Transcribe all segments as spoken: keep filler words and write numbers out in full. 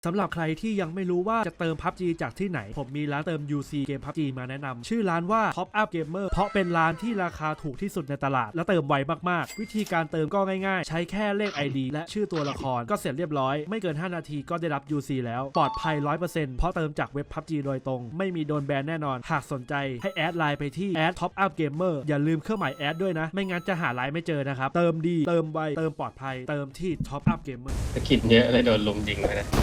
สำหรับใครที่ยังไม่รู้ว่าจะเติม พับจี จากที่ไหนผมมีร้านเติม ยู ซี เกม พับจี มาแนะนำชื่อร้านว่า Top Up Gamer เพราะเป็นร้านที่ราคาถูกที่สุดในตลาดและเติมไวมากๆวิธีการเติมก็ง่ายๆใช้แค่เลข ไอ ดี และชื่อตัวละครก็เสร็จเรียบร้อยไม่เกินห้านาทีก็ได้รับ ยู ซี แล้วปลอดภัย ร้อยเปอร์เซ็นต์ เพราะเติมจากเว็บ พับจี โดยตรงไม่มีโดนแบนแน่นอนหากสนใจให้แอดไลน์ไปที่ แอด Top Up Gamer อย่าลืมเครื่องหมายแอดด้วยนะไม่งั้นจะหาไลน์ไม่เจอนะครับเติมดีเติมไวเติมปลอดภัยเติมที่ Top Up Gamer สกิดเยอะเลยโดนลุมยิงไปนะ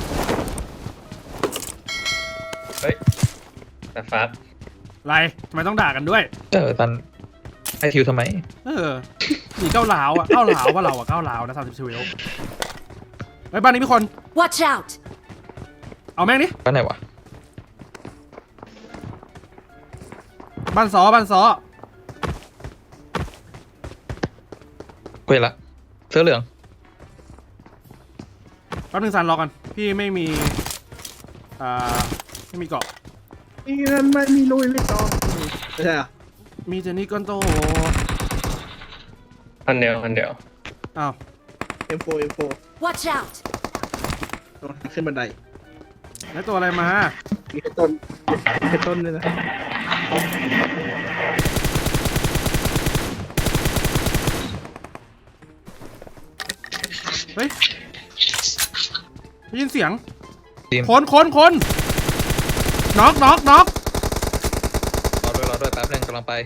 เฮ้ยแต่ฟัดไรทำไมต้องด่ากันด้วยเออตันไอทิวทำไมเออหนีเก้าหลาวอ่ะเก้าหลาวว่าเราอ่ะเก้าหลาวนะสามสิบเวลไอ้บ้านนี้มีคน Watch out เอาแม่งดิบ้านไหนวะบ้านซอบ้านซอคุยละเสื้อเหลืองแป๊บนึงซันรอกันพี่ไม่มีอ่าไม่มีเกาะนี่นั่นไม่มีลุยไม่ต้องไม่ใช่อ่ะมีเจนี่ก้อนโตอันเดียวอันเดียวอ้าวเอ็มโฟเอ็มโฟ Watch out ต้องขึ้นบันไดแล้วตัวอะไรมามีแค่ต้นแค่ต้นเลยนะเฮ้ยได้ยินเสียงทีมคนคนคนน็อกน็อกน็อกรอด้วยรอด้วยแป๊บนึงกำลังไป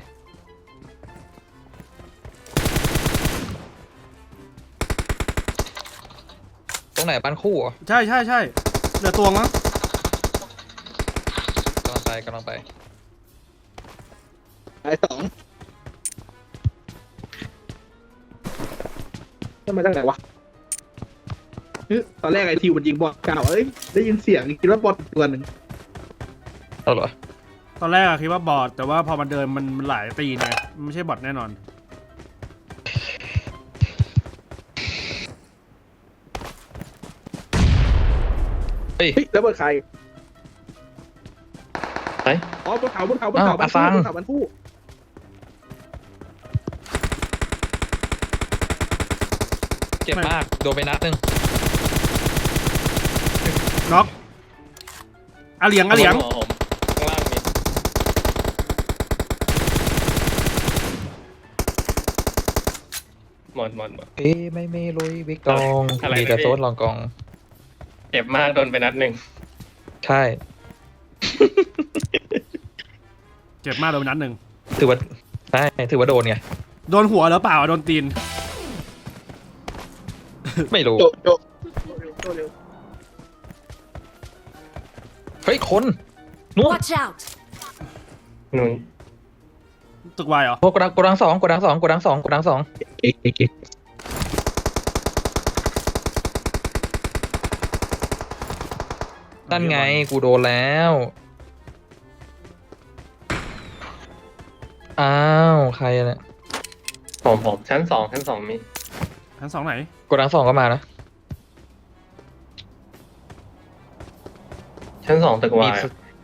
ตรงไหนบ้านคู่อ่ะใช่ใช่ใช่เหลือตัวมั้งกำลังไปกำลังไปไอ้สองทำไมตั้งไหนวะตอนแรกไอทิวมันยิงบอลเก่าเอ้ยได้ยินเสียงคิดว่าบอลตัวหนึ่งเอาเหรอตอนแรกอะคิดว่าบอทแต่ว่าพอมันเดินมันหลายตีนไงไม่ใช่บอทแน่นอนเฮ้ยแล้วบนใครไปอ๋อบนเขาบนเขาบนเขาบนเขาบนเขาบนคู่เจ็บมากโดนไปนัดนึงน็อกอาเหลียงอาเหลียงข้างล่างมีหมดหมดหมดเอ้ไม่ไม่ลุยวิกตองมีแต่โซนลองกองเจ็บมากโดนไปนัดหนึ่งใช่เจ็บมากโดนนัดหนึ่งถือว่าใช่ถือว่าโดนไงโดนหัวหรือเปล่าโดนตีนไม่รู้โจโจโจเร็วเฮ้ยคนนู่น Watch out นู่นตึกวายเหรอโอ้กดังกดังสองกดังสองกดังสองกดังสองเอ๊ะเอ๊ะเอ๊ะนั่นไงกูโดนแล้วอ้าวใครเนี่ยผมผมชั้นสองชั้นสองมีชั้นสองไหนกดังสองก็มานะชั้นสองตึกวาย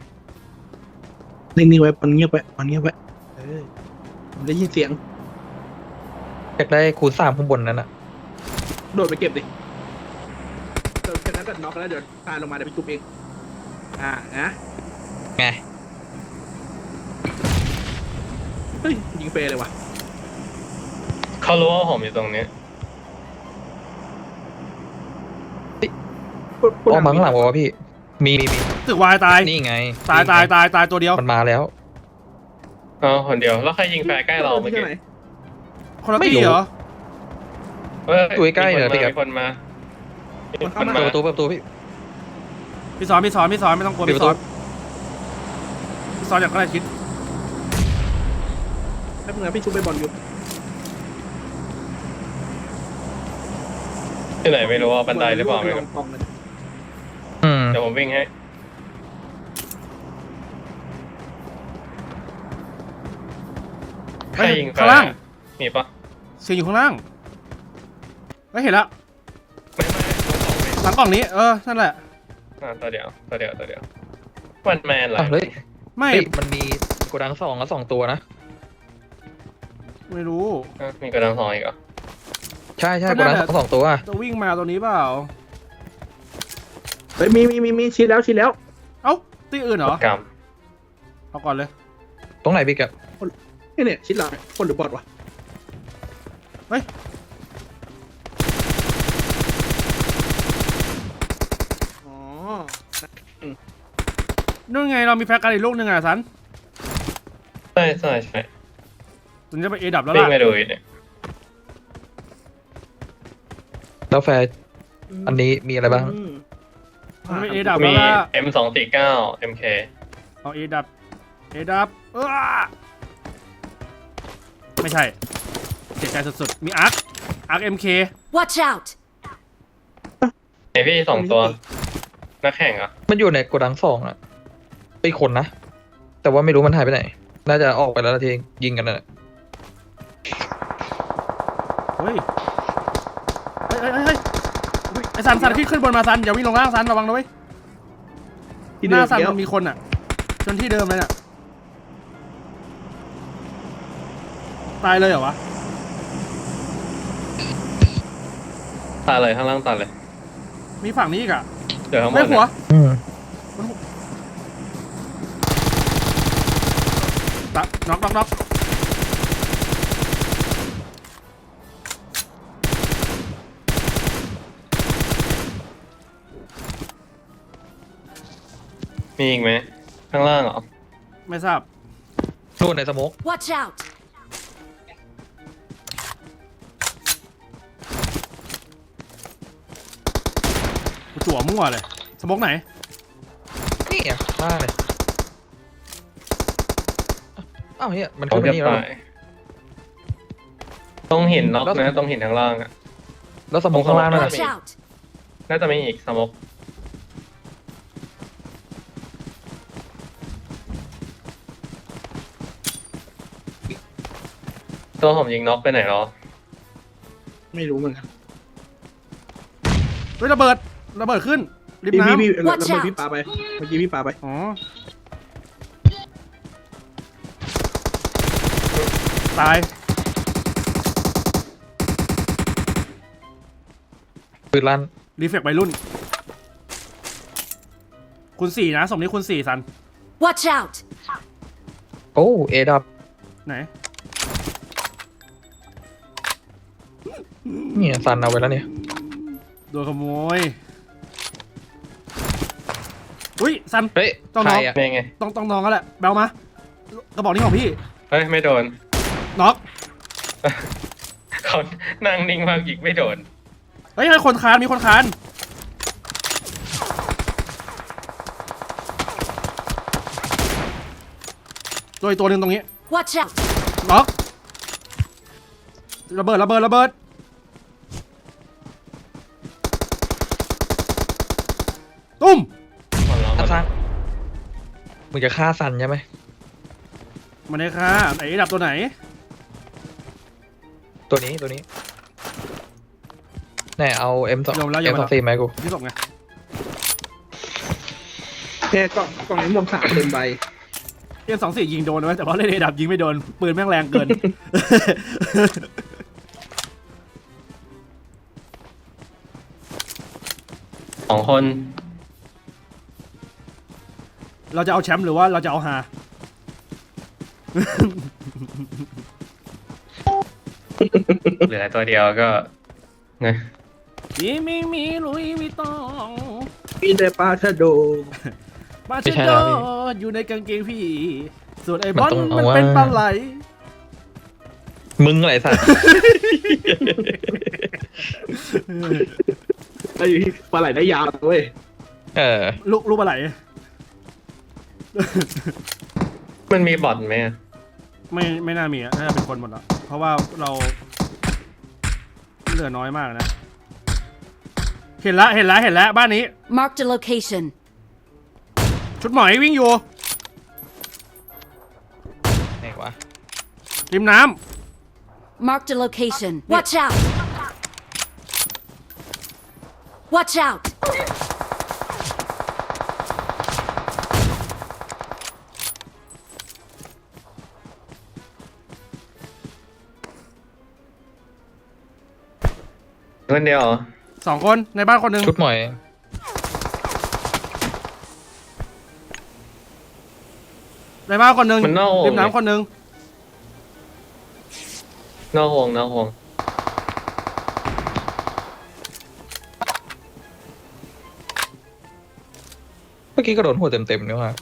นิ่งๆไว้มันเงียบไว้มันเงียบไว้เออผมได้ยินเสียงอยากได้คูณสามข้างบนนั้นอะโดดไปเก็บดิโดดแค่นั้นก็น็อกแล้วเดี๋ยวตายลงมาเดี๋ยวไปจุบเองอ่านะไงเฮ้ยยิงเฟรเลยว่ะเขารู้ว่าผมอยู่ตรงนี้อ้อมมาข้างหลังบอกว่าพี่มีมีตึกวายตายนี่ไงตายตายตายตายตัวเดียวมันมาแล้วอ๋อคนเดียวแล้วใครยิงแฟร์ใกล้เราเมื่อกี้คนละตีเหรอตัวใกล้เลยพี่ครับมีคนมาเปิดประตูเปิดประตูพี่พี่สอนพี่สอนพี่สอนไม่ต้องกลัวพี่สอนพี่สอนอย่างใกล้ชิดให้เพื่อนพี่ชุบไปบอลอยู่ที่ไหนไม่รู้ว่าบันไดหรือเปล่าไม่รู้เดี๋ยวผมวิ่งให้ใครยิงข้างล่างมีปะเสียงอยู่ข้างล่างไม่เห็นละไม่ไม่หลังกล่องนี้เออนั่นแหละอ่าตัวเดียวตัวเดียวตัวเดียววันแมนเหรอไม่มันมีโกดังสองแล้วสองตัวนะไม่รู้มีโกดังสองอีกเหรอใช่ใช่โกดังสองตัวจะวิ่งมาตัวนี้เปล่าฮ้ยมีมีมีมีชี้แล้วชี้แล้วเอ้าตีอื่นเหรอกรรมเอาก่อนเลยตรงไหนพี่แกนี่เนี่ยชี้หลังคนหรือบอทวะเฮ้ยอ๋อนู่นไงเรามีแฟร์กันอีกลูกหนึ่งอ่ะสันใช่ใช่ใช่ถึงจะไปเอดับแล้ววิ่งล่ะไปดูอีกเนี่ยแล้วแฟร์อันนี้มีอะไรบ้างอืมมันไปเอดับมีแล้วล่ะเอ็มสองสี่เก้าเอ็มเคเอาเอดับเอดับเออไม่ใช่เสียใจสุดๆมีอาร์คอาร์คเอ็มเค Watch out! ไอพี่สองตัวนักแข่งเหรอ่ะมันอยู่ในโกดังสองอะไปคนนะ แต่ว่าไม่รู้มันหายไปไหน น่าจะออกไปแล้วนะทียิงกันน่ะเฮ้ยเฮ้ยเฮ้ยเฮ้ยเฮ้ยไอสันสันขึ้นขึ้นบนมาสันอย่าวิ่งลงล่างสันระวังนะเว้ยที่หเดิน้าม สันเดี๋ยวมันมีคนอ่ะจนที่เดิมเลยน่ะตายเลยเหรอวะตายเลยข้างล่างตายเลยมีฝั่งนี้อีกอ่ะเดี๋ยวข้างบไม่นหัวเนี่ยอืมตะน็อกน็อกน็อกมีอีกไหมข้างล่างเหรอไม่ทราบนู่นในสโมก Watch out! กูจั่วมั่วเลยสมกไหนนี่อ่ะมากเลยอ้าวเฮียมันต้อขึ้งนไปจะนี่แล้วตายต้องหินน็อกนะต้องหินข้างล่างอ่ะแล้วสโมกข้างล่างนั่น Watch น่ะ out! น่าจะมีอีกสมกตัวผมยิงน็อกไปไหนหรอไม่รู้เหมือนกันเฮ้ยระเบิดระเบิดขึ้นริมพี่น้พี่พี่เรา Watch เรา out พี่ปาไปเมื่อกี้พี่ปาไปำอ๋อตายปืนลั่นรีเฟกวัยรุ่น คุณสี่นะสมนี้คุณสี่สัน Watch out! โอ้เอดับไหนเนี่ยซันเอาไว้แล้วเนี่ยโดนขโมยอุ้ยสันเฮ้ยต้องใครน็อกอ่ะเป็นไงต้องต้องน้องกันแหละแบลมากระบอกนี้ของพี่เฮ้ยไม่โดนน็อกเขานั่งนิ่งมากยิงไม่โดนเฮ้ยมีคนคานมีคนคานตัวอีกตัวหนึ่งตรงนี้ Watch out! น็อกระเบิดระเบิดระเบิดตุ้มขอร้องอ่ะซันมึงจะฆ่าซันใช่ไหมมาเลยค่ะไหนดับตัวไหนตัวนี้ตัวนี้แน่เอา เอ็ม สองยอมแล้วยเอ็อมมสแล้อวงสี่ไหมกูที่ศพไงแค่กล่องกล่องนี้รวมสามเต็มใบเอ็มสองสี่ยิงโดนไว้แต่ว่าเล่นเอดับยิงไม่โดนปืนแม่งแรงเกินสองคนเราจะเอาแชมป์หรือว่าเราจะเอาฮาเหลือตัวเดียวก็ไงมีมีมีลุยวิตองมีแต่ปลาชะโดมาเชโดอยู่ในกางเกงพี่ ส่วนไอ้บอลมันต้องเอามันว่าเป็นปลาไหลมึงอะไรสัตว์ไอ้ปลาไหลได้ยาวเว้ยเออลูกลูกปลาไหลมันมีบอทไหมอะไม่ไม่น่ามีอะน่าจะเป็นคนหมดแล้วเพราะว่าเราเหลือน้อยมากนะ เห็นละเห็นละเห็นละบ้านนี้ Marked a location. ชุดหมอยวิ่งอยู่ไหนวะริมน้ Marked a location. Watch out! Watch out! คนเดียวเหรอำสองคนในบ้านคนหนึ่งชุดหมอยได้มาคนหนึ่งมันนอกวงริมน้ำคนหนึ่งนอกวงนอกวงเมื่อกี้ก็โดนหัวเต็มๆเนี่ยว่ะ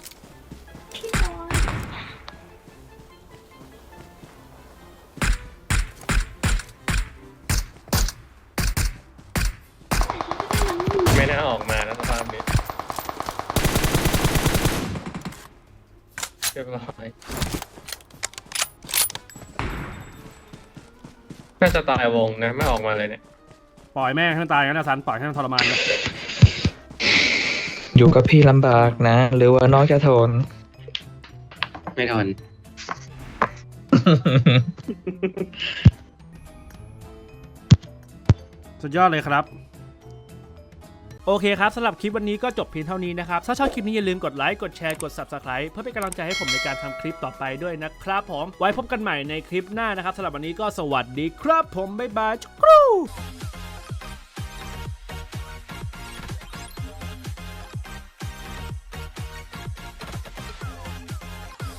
ไม่น่าออกมาแล้วสภาพนี้เรียบร้อยน่าจะตายวงนะไม่ออกมาเลยเนี่ยปล่อยแม่งให้มันตายกันนะสันปล่อยให้มันทรมานเลยอยู่กับพี่ลำบากนะ หรือว่าน้องจะทนไม่ทนสุดยอดเลยครับโอเคครับสำหรับคลิปวันนี้ก็จบเพียงเท่านี้นะครับถ้าชอบคลิปนี้อย่าลืมกดไลค์กดแชร์กด ซับสไครบ์ เพื่อเป็นกำลังใจให้ผมในการทำคลิปต่อไปด้วยนะครับผมไว้พบกันใหม่ในคลิปหน้านะครับสำหรับวันนี้ก็สวัสดีครับผมบ๊ายบายจุ๊กรู